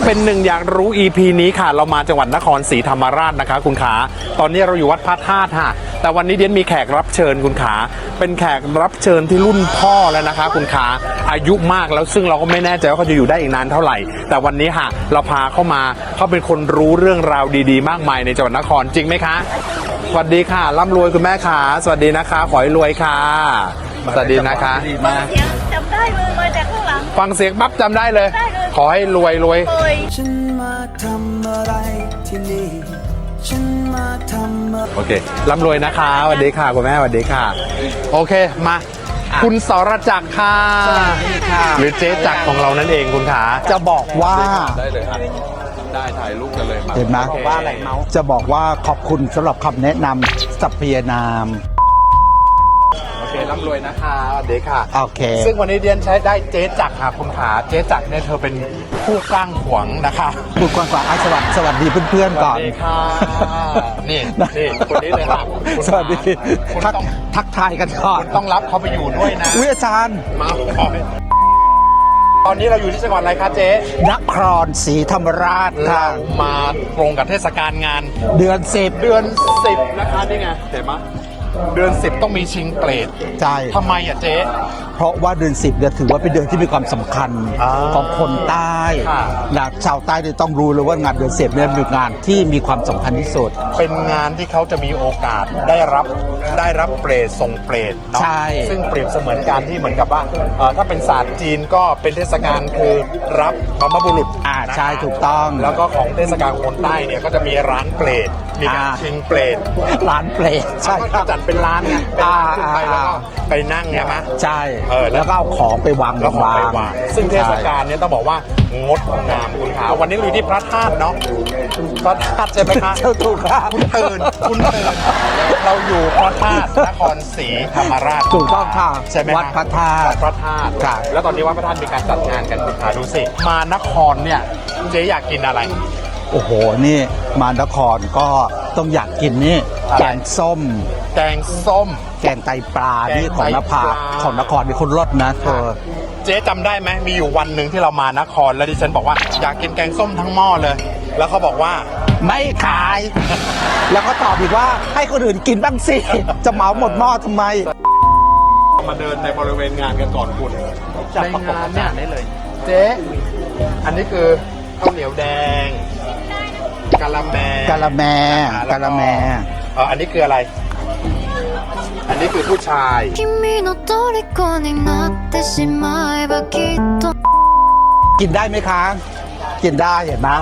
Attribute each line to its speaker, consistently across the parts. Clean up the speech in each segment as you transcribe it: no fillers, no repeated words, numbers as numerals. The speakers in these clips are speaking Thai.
Speaker 1: เป็นหนึ่งอยากรู้ EP นี้ค่ะเรามาจังหวัดนครศรีธรรมราชนะคะคุณขาตอนนี้เราอยู่วัดพระธาตุค่ะแต่วันนี้เดียนมีแขกรับเชิญคุณขาเป็นแขกรับเชิญที่รุ่นพ่อแล้วนะคะคุณขาอายุมากแล้วซึ่งเราก็ไม่แน่ใจว่าเขาจะอยู่ได้อีกนานเท่าไหร่แต่วันนี้ค่ะเราพาเข้ามาเขาเป็นคนรู้เรื่องราวดีๆมากมายในจังหวัดนครจริงไหมคะสวัสดีค่ะร่ำรวยคุณแม่ค่ะสวัสดีนะคะขอให้รวยค่ะสวัสดีนะคะ
Speaker 2: จำได้เลยมาจากข้างหลัง
Speaker 1: ฟังเสียงปั๊บจำได้เลย ขอให้รวย
Speaker 3: ฉันมาทำอะไรที่นี่ฉันมาทำ
Speaker 1: โอเคร่ำรวยนะคะสวัสดีค่ะคุณแม่สวัสดีค่ะโอเคมาคุณสรจักรค่ะหรือเจ๊จักรของเรานั่นเองคุณขา
Speaker 4: จะบอกว่า
Speaker 1: ได้เลยครับได้ถ่ายรูปกันเลยมา
Speaker 4: เห็นไหม
Speaker 1: ว่าอะไรเมา
Speaker 4: จะบอกว่าขอบคุณสำหรับคำแนะนำสัพเพนาม
Speaker 1: โอเคร่ำรวยนะคะสวัสดีค่ะ
Speaker 4: โอเค
Speaker 1: ซึ่งวันนี้เดียนใช้ได้เจ๊จักรค่ะคุณขาเจ๊จักรเนี่ยเธอเป็นผู้กล้างขวางนะคะ
Speaker 4: พูดก่อนก่อนสวัสดีเพื่อนๆก่อน
Speaker 1: สวัสดีค่ะนี่คนนี้เลยค่ะคุณ
Speaker 4: สวัสดี
Speaker 1: คุณ
Speaker 4: ทักทายกันก่อน
Speaker 1: คุณต้องรับเขาไปอยู่ด้วยนะ
Speaker 4: วิอาจารย์
Speaker 1: มาตอนนี้เราอยู่ที่จังหวัดอะไรคะเจ๊
Speaker 4: นครศรีธรรมราช
Speaker 1: เรา
Speaker 4: ค่ะ
Speaker 1: มาตรงกับเทศกาลงาน
Speaker 4: เดือนสิบ
Speaker 1: เดือน 10นะคะนี่ไงเห็นไหมเดือน 10ต้องมีชิงเปรต
Speaker 4: ใช่
Speaker 1: ทำไมอ่ะเจ๊
Speaker 4: เพราะว่าเดือนสิบเนี่ยถือว่าเป็นเดือนที่มีความสำคัญ
Speaker 1: อ่า
Speaker 4: ของคนใต้
Speaker 1: ค่ะ
Speaker 4: นะชาวใต้เนี่ยต้องรู้เลยว่างานเดือนสิบเนี่ยเป็นงานที่มีความสำคัญที่สุด
Speaker 1: เป็นงานที่เขาจะมีโอกาสได้รับเปรตส่งเปรตเนาะ
Speaker 4: ใช่
Speaker 1: ซึ่งเปรียบเสมือนการที่เหมือนกับว่าถ้าเป็นศาสตร์จีนก็เป็นเทศกาลคือรับบรรพบุรุษ
Speaker 4: ใช่ถูกต้อง
Speaker 1: แล้วก็ของเทศกาลคนใต้เนี่ยก็จะมีร้านเปรตมีการชิงเปรต
Speaker 4: ร้านเปรตใช่ค
Speaker 1: เขา
Speaker 4: รับ
Speaker 1: จัดเป็นร้านไงเป็นร้านขึ้นไปแล้วก็ไปนั่งเนี่ยมะ
Speaker 4: ใช่
Speaker 1: แล้
Speaker 4: แล้ว วก็เอาของไปวาง
Speaker 1: แล้วของไปวางซึ่งเทศกาลเนี่ยต้องบอกว่างดงามคุณขาวันนี้เราอยู่ที่พระธาตุเนาะพระธาตุใช่ไหมคะ
Speaker 4: เจ้าถูกครับ
Speaker 1: คุณเตือนเราอยู่พระธาตุนครศรีธรรมราช
Speaker 4: ถูกต้องค่ะ
Speaker 1: ใช่ไหม
Speaker 4: วัดพระธาตุ
Speaker 1: วัดพระธาตุ
Speaker 4: ครับ
Speaker 1: แล้วตอนนี้วัดพระธาตุมีการจัดงานกันคุณขาดูสิมานครเนี่ยเจ๊อยากกินอะไร
Speaker 4: โอ้โห นี่มานครก็ต้องอยากกินนี่แกงส้ม
Speaker 1: แกงส้ม
Speaker 4: แกงไตปลา
Speaker 1: แกง
Speaker 4: นี่ของนภา
Speaker 1: ไตปลา
Speaker 4: ของนครนี่คนรสนะเธอ
Speaker 1: เจ๊จำได้ไหมมีอยู่วันหนึ่งที่เรามานครแล้วดิฉันบอกว่าอยากกินแกงส้มทั้งหม้อเลย แล้วเขาบอกว่า
Speaker 4: ไม่ขาย แล้วก็ตอบอีกว่าให้คนอื่นกินบ้างสิ จะเหมาหมดหม้อทำไม
Speaker 1: มาเดินในบริเวณงานกันก่อนคุณ
Speaker 4: จัด
Speaker 1: ใน
Speaker 4: ประกบ
Speaker 1: งานเนี่ย
Speaker 4: ได้เลย
Speaker 1: เจ๊อันนี้คือข้าวเหนียวแดงกะละแม
Speaker 4: กะละแม
Speaker 1: แล้ว
Speaker 4: กะละแม
Speaker 1: อันนี้คืออะไร อันนี้คือผู้ชาย
Speaker 2: 君の虜になってしまえばきっと
Speaker 4: กินได้ไหมคะ กินได้เห็นไหม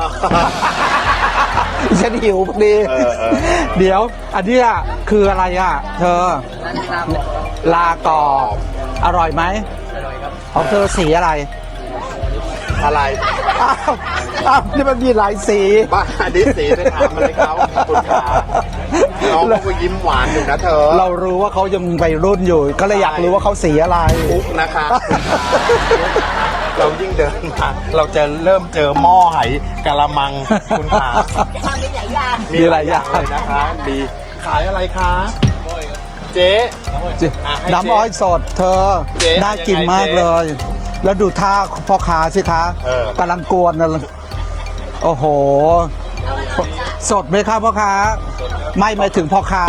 Speaker 4: ฉันหิวพอดี เดี๋ยว อันเนี้ยคืออะไรอ่ะ เธอ ลากรอบอร่อยไหมของเธอสีอะไร
Speaker 1: อะไร
Speaker 4: อ้าวนี่มันมีหลายสี
Speaker 1: บ้าอันนี้สีไปถามอะไรเขาคุณขาน้องเขาก็ยิ้มหวานอยู่นะเธอ
Speaker 4: เรารู้ว่าเขายังวัยรุ่นอยู่ ก็เลยอยากรู้ว่าเขาสีอะไร
Speaker 1: ปุ๊กนะคะเรายิ่งเดินมาเราจะเริ่มเจอหม้อไหกะละมังคุณขา
Speaker 4: มีหลายอย่าง
Speaker 1: เลยนะคะดีขายอะไรคะเจ๊ ให้
Speaker 4: น้ำอ้อยสดเธอ
Speaker 1: เจ๊
Speaker 4: น่ากิน
Speaker 1: ยังไง
Speaker 4: มาก
Speaker 1: เจ๊
Speaker 4: เลย แล้วดูท่าพ่อค้าสิคะ
Speaker 1: เออ
Speaker 4: กำลังกวนนะโอ้โห สดไหมครับพ่อค้า ไม่หมายถึงพ่อค้า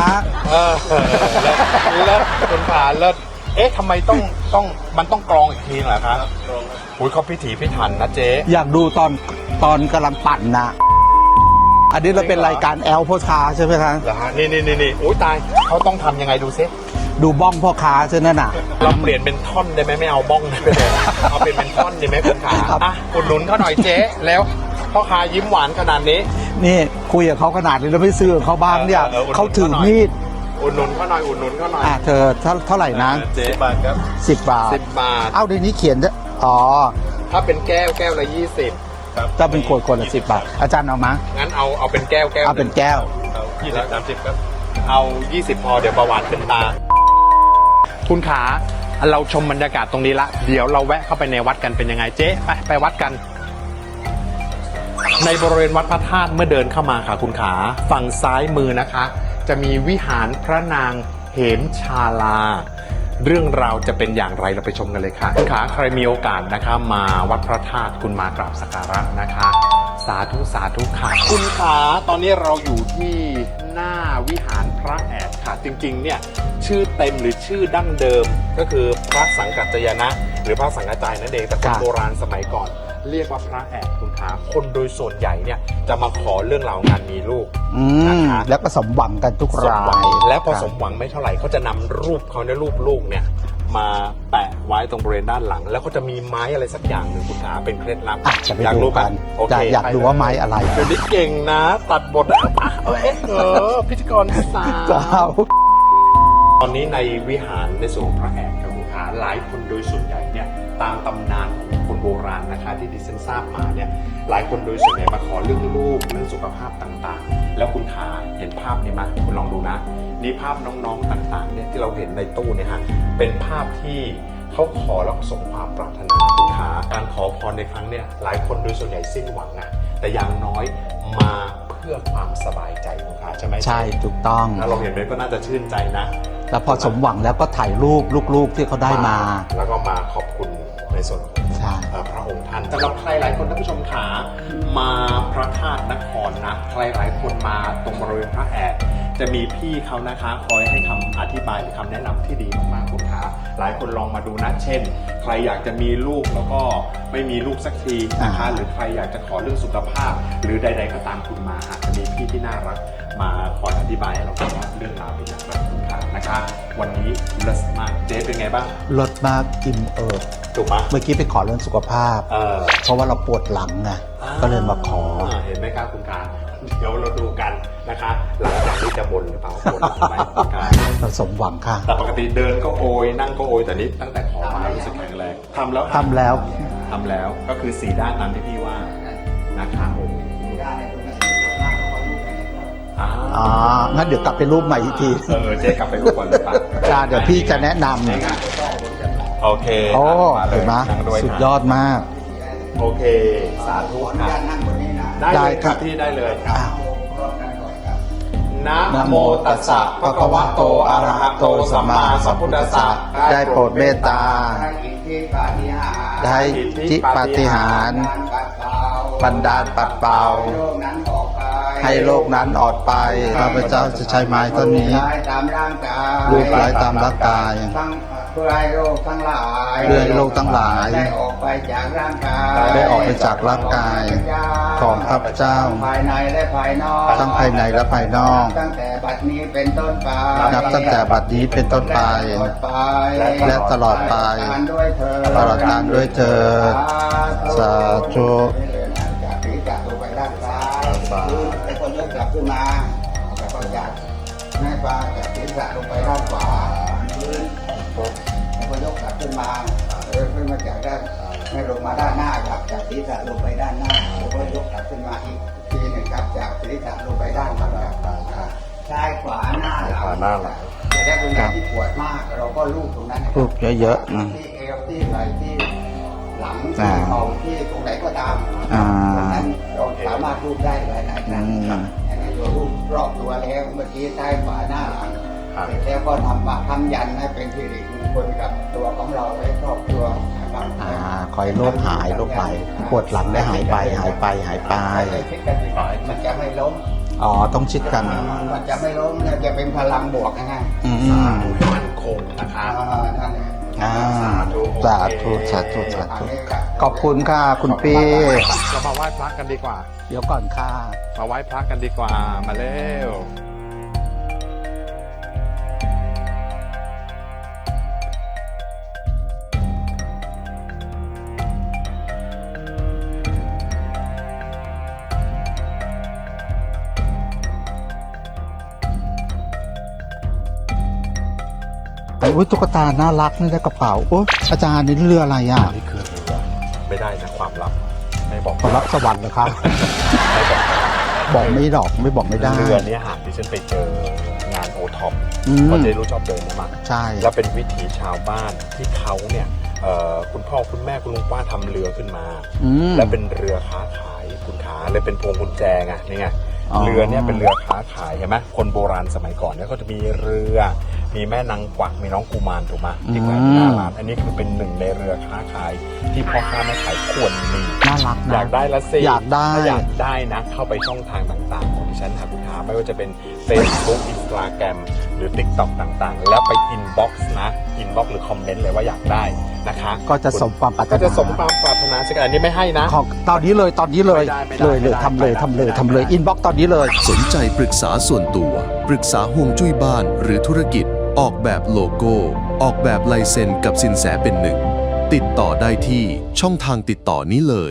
Speaker 1: เลิศคุณขาเลิศเอ๊ะทำไมต้องมันต้องกรองอีกทีเหรอครับอุ้ยเขาพิถีพิถันนะเจ๊
Speaker 4: อยากดูตอนกำลังปั่นนะอันนี้เราเป็นรายการแอลพ่อค้าใช่ไหมคะ
Speaker 1: เหรอฮะนี่อุ้ยตายเขาต้องทำยังไงดูซิ
Speaker 4: ดูบ้องพ่อค้าใช่ไหมน่ะ
Speaker 1: เราเปลี่ยนเป็นท่อนได้ไหมไม่เอาบ้องได้ไหมเอาเป็นท่อนได้ไหมคุณขา
Speaker 4: ครับ
Speaker 1: อ่ะอุดหนุนเขาหน่อยเจ๊แล้วพ่อค้ายิ้มหวานขนาดนี้
Speaker 4: นี่คุยกับเขาขนาดนี้แล้วไม่ซื้อกับเขาบ้างเนี่ย
Speaker 1: อุดหนุน
Speaker 4: เขาถือ
Speaker 1: เขาหน่อย
Speaker 4: มีด
Speaker 1: อุดหนุนเขาหน่อยอุดหนุนเขาหน่อย
Speaker 4: เธอเท่าไหร่นะ
Speaker 1: เจ๊บาทครับ
Speaker 4: 10 บาท
Speaker 1: 10 บาท
Speaker 4: เอ้าในนี้เขียนด้วยอ๋อ
Speaker 1: ถ้าเป็นแก้วละ20ครับ
Speaker 4: ถ้าเป็นขวดละ10 บาท อาจารย์เอามา
Speaker 1: งั้นเอาเป็นแก้ว
Speaker 4: เอาเป็นแก้ว
Speaker 1: 20 30ครับเอา20พอเดี๋ยวเบาหวานขึ้นตา คุณขาเราชมบรรยากาศตรงนี้ละเดี๋ยวเราแวะเข้าไปในวัดกันเป็นยังไงเจ๊ไปวัดกัน ในบริเวณวัดพระธาตุเมื่อเดินเข้ามาค่ะคุณขาฝั่งซ้ายมือนะคะ จะมีวิหารพระนางเหมชาลา เรื่องราวจะเป็นอย่างไรเราไปชมกันเลยค่ะคุณขาใครมีโอกาสนะคะมาวัดพระธาตุคุณมากราบสักการะนะคะสาธุสาธุค่ะคุณขาตอนนี้เราอยู่ที่หน้าวิหารพระแอดค่ะจริงๆเนี่ยชื่อเต็มหรือชื่อดั้งเดิมก็คือพระสังกัจจายนะ หรือพระสังกัจจายนั่นเองแต่คนโบราณสมัยก่อนเรียกว่าพระแอดคุณขาคนโดยส่วนใหญ่เนี่ยจะมาขอเรื่องราวงานมีลูกนะคะ
Speaker 4: แล้วก็สมหวังกันทุก
Speaker 1: สม
Speaker 4: รา
Speaker 1: หวัง
Speaker 4: ย
Speaker 1: และพอสมหวังไม่เท่าไหร่เขาจะนำรูปเขาในรูปลูกเนี่ยมาแปะไว้ตรงบริเวณด้านหลัง แล้วเขาจะมีไม้อะไรสักอย่างหนึ่งคุณขาเป็นเคล็ดลับ
Speaker 4: อ่ะจะไป
Speaker 1: อยาก
Speaker 4: ดู
Speaker 1: รู้
Speaker 4: กัน
Speaker 1: โอเค
Speaker 4: อยากดูว่าไม้อะไร
Speaker 1: เดี๋ยวนี้เก่งนะ ตัดบทพิธีกรสาว
Speaker 4: เจ้า
Speaker 1: ตอนนี้ในวิหารในส่วนของพระแอดครับคุณขาหลายคนโดยส่วนใหญ่เนี่ยตามตำนานของคนโบราณนะคะที่ดิฉันทราบมาเนี่ยหลายคนโดยส่วนใหญ่มาขอเรื่องลูกเรื่องสุขภาพต่างๆ แล้วคุณขาเห็นภาพนี้ไหมคุณลองดูนะนี่ภาพน้องๆต่างๆเนี่ยที่เราเห็นในตู้เนี่ยฮะเป็นภาพที่เขาขอแล้วสมความปรารถนาคุณขาการขอพรในครั้งเนี่ยหลายคนโดยส่วนใหญ่สิ้นหวังอะแต่อย่างน้อยมาเพื่อความสบายใจคุณขาใช่ไหม
Speaker 4: ใช่ถูกต้อง
Speaker 1: ถ้าเราเห็นไปก็น่าจะชื่นใจนะ
Speaker 4: แล้วพอสมหวังแล้วก็ถ่ายรูปลูกๆที่เขาได้มา
Speaker 1: แล้วก็มาขอบคุณในส่วนของ
Speaker 4: ใช่
Speaker 1: พระองค์ท่านสำหรับใครหลายคนท่านผู้ชมขามาพระธาตุนครนะใครหลายคนมาตรงบริเวณพระแอดจะมีพี่เขานะคะคอยให้คำอธิบายหรือคำแนะนำที่ดีมากๆคุณขาหลายคนลองมาดูนะเช่น ใครอยากจะมีลูกแล้วก็ไม่มีลูกสักทีนะคะหรือใครอยากจะขอเรื่องสุขภาพ หรือใด ๆ ก็ตามคุณมาอาจจะมีพี่ที่น่ารักมาคอยอธิบายให้เราฟังว่าเรื่องราวเป็นอย่างไรคุณขานะคะ วันนี้เลิศมากเจ๊เป็นไงบ้าง
Speaker 4: ลดมากอิ่มเอิบ
Speaker 1: ถูกปะ
Speaker 4: เมื่อกี้ไปขอเรื่องสุขภาพ เพราะว่าเราปวดหลังไงก็เลยมาขอ
Speaker 1: เห็นไหมครับคุณขาเดี๋ยวเราดูกันนะคะ หลังจากนี้จะบ่นหรือเปล่าบ่นไหมคุณขา
Speaker 4: เราสมหวังค่ะ
Speaker 1: แต่ปกติเดินก็โอยนั่งก็โอยแต่นี้ตั้งแต่ขอมารู้สึกแข็งแรงทำแล้ว
Speaker 4: ทำแล้ว
Speaker 1: ทำแล้วก็คือ4ด้านนั้นที่พี่ว่านะคะโอ้
Speaker 4: อ๋อ งั้นเดี๋ยวกลับไปรูปใหม่อีกที
Speaker 1: เจ๊กลับไปรูปก่อนเลยป่ะ
Speaker 4: จ้าเดี๋ยวพี่จะแนะน
Speaker 1: โอเค
Speaker 4: ำโอ้
Speaker 1: มาเลย
Speaker 4: เห็นไหม
Speaker 1: นั่งด้วย
Speaker 4: สุด
Speaker 1: ค่ะ
Speaker 4: ยอดมาก
Speaker 1: โอเค สาธุค่ะได้
Speaker 4: ได้
Speaker 1: เลย
Speaker 4: ค
Speaker 1: ค
Speaker 4: รั
Speaker 1: รับ บพี่ได้เลย
Speaker 4: อ้าว
Speaker 1: นะ
Speaker 4: นะ
Speaker 1: โม
Speaker 4: โม
Speaker 1: ตั
Speaker 4: ตั
Speaker 1: ส
Speaker 4: ส
Speaker 1: สะ
Speaker 4: สะ
Speaker 1: ภะ
Speaker 4: ภะ
Speaker 1: คะ
Speaker 4: คะ
Speaker 1: วะ
Speaker 4: วะ
Speaker 1: โต
Speaker 4: โต
Speaker 1: อะ
Speaker 4: อะ
Speaker 1: ระ
Speaker 4: ระ
Speaker 1: หะ
Speaker 4: หะ
Speaker 1: โต
Speaker 4: โต
Speaker 1: สั
Speaker 4: สั
Speaker 1: ม
Speaker 4: ม
Speaker 1: มา
Speaker 4: มา
Speaker 1: สั
Speaker 4: สั
Speaker 1: ม
Speaker 4: ม
Speaker 1: พุ
Speaker 4: พุ
Speaker 1: ท
Speaker 4: ท
Speaker 1: ธั
Speaker 4: ธั
Speaker 1: ส
Speaker 4: ส
Speaker 1: สะ
Speaker 4: สะได้โปรดเมตตา ได้ทิปาฏิหารย์บันดาลปัดเป่า ให้โลกนั้นออกไปข้าพเจ้าจะใช้ไม้ต้นนี้
Speaker 5: ตามร่างกาย
Speaker 4: รูปไร้ตามร่างกาย
Speaker 5: ทั้งเพื่อให้โรคทั้งหลาย
Speaker 4: เพื่อให้โรคทั้งหลาย
Speaker 5: ได้ออกไปจากร่างกาย
Speaker 4: ได้ออกไปจากร่างกายของข้าพเจ้า
Speaker 5: ภายในและภายนอก
Speaker 4: ทั้งภายในและภายนอก
Speaker 5: ตั้งแต่บัดนี้เป็นต้นไป
Speaker 4: นับตั้งแต่บัดนี้เป็นต้นไป และตลอดไป ตลอดกาลด้วยเธอญสาธุ
Speaker 5: จากศีรษะลงไปด้านซ้ายแต่คนยกกลับขึ้นมาแล้วก็จากแม่ฟ้าจากศีรษะลงไปด้านขวาพื้นแล้วก็ยกกลับขึ้นมาขึ้นมาจากด้านไม่ลงมาด้านหน้าครับจากศีรษะลงไปด้านหน้าแล้วก็ยกกลับขึ้นมาอีกทีหนึ่งครับจากศีรษะลงไปด้านหลังครับซ้ายขวาหน้าหลัง
Speaker 1: ขวาหน้าหลัง
Speaker 5: จะได้ตรงไหนที่ปวดมากเราก็ลูบตรงนั้น
Speaker 4: รูปเยอะๆนะ
Speaker 5: ที่เอวที่ไหล่ที่หลังที่เข่าที่ตรงไหนก็ตาม
Speaker 4: อ่า
Speaker 5: ตรงนั้นเราสามารถรูปได้หลายๆครั้ง
Speaker 4: อืม
Speaker 5: อันนี้เรารูปรอบตัวแล้วเมื่อกี้ซ้ายขวาหน้าหลัง
Speaker 1: ครับ
Speaker 5: เสร็จแล้วก็ทำยันให้เป็นสิริมงคลกับตัวของเราและครอบครัวนะครับ
Speaker 4: คอยโรคหายโรคไปปวดหลังได้หายไปหายไปหายไป
Speaker 5: ให้คิดกันบ่อยๆมันจะไม่ล้ม
Speaker 4: อ๋อ ต้องชิดกัน
Speaker 5: มันจะไม่ล้มเนี่ยจะเป็นพลังบวกนะฮะ
Speaker 4: อืม
Speaker 1: ให้มั่นคงนะคะ
Speaker 5: นั่นแหละ
Speaker 4: อ่า
Speaker 1: สาธุ
Speaker 4: สาธุสาธุสาธุขอบคุณค่ะคุณปี้
Speaker 1: เรามาไหว้พระกันดีกว่า
Speaker 4: เดี๋ยวก่อนค่ะ
Speaker 1: มาไหว้พระกันดีกว่า มาเร็ว
Speaker 4: อุ้ยตุ๊กตาน่ารักนี่ได้กระเป๋าโอ้อาจารย์นี่เรืออะไรอ่ะ
Speaker 1: นี่คือเรือไม่ได้นะความลับ ไม่บอก
Speaker 4: ขอรับสวรรค์เหรอครับ
Speaker 1: ไม่บอก
Speaker 4: บอกไม่หรอกไม่บอกไม่ได้
Speaker 1: เรือเนี้หากที่ฉันไปเจองานโอท็อป
Speaker 4: อืม
Speaker 1: เพราะเจ๊รู้ชอบเดินนะมั้ง
Speaker 4: ใช่
Speaker 1: แล้วเป็นวิถีชาวบ้านที่เขาเนี่ยคุณพ่อคุณแม่คุณลุงป้าทำเรือขึ้นมา
Speaker 4: อืม
Speaker 1: และเป็นเรือค้าขายคุณขาเลยเป็นพวงกุญแจไงนี่ไง
Speaker 4: อ๋อ
Speaker 1: เรือเนี่ยเป็นเรือค้าขายเห็นไหมคนโบราณสมัยก่อนเนี่ยเขาจะมีเรือมีแม่นางกวักมีน้องกุมารถูกไหมที่แขวนอยู่หน้าร้านอันนี้คือเป็นหนึ่งในเรือค้าขายที่พ่อค้าแม่ขายควรมี
Speaker 4: น่ารักนะ
Speaker 1: อยากได้ละสิ
Speaker 4: อยากได้
Speaker 1: ถ้าอยากได้นะ เข้าไปช่องทางต่างๆของดิฉันค่ะคุณขาไม่ว่าจะเป็น Facebook Instagram หรือ TikTok ต่างๆ แล้วไป inbox นะ inbox หรือคอมเมนต์เลยว่าอยากได้นะคะ
Speaker 4: ก็จะสมความปรารถนา
Speaker 1: ก็จะสมความปรารถนาสักอันนี้ไม่ให้นะ
Speaker 4: ของตอนนี้เลย
Speaker 1: ไม่ได้
Speaker 4: เลยทำเลยอินบ็อกตอนนี้เลย
Speaker 6: สนใจปรึกษาส่วนตัว ปรึกษาห่วงจุ้ยบ้านหรือธุรกิจ ออกแบบโลโก้ ออกแบบลายเซ็นกับสินแสเป็นหนึ่ง ติดต่อได้ที่ช่องทางติดต่อนี้เลย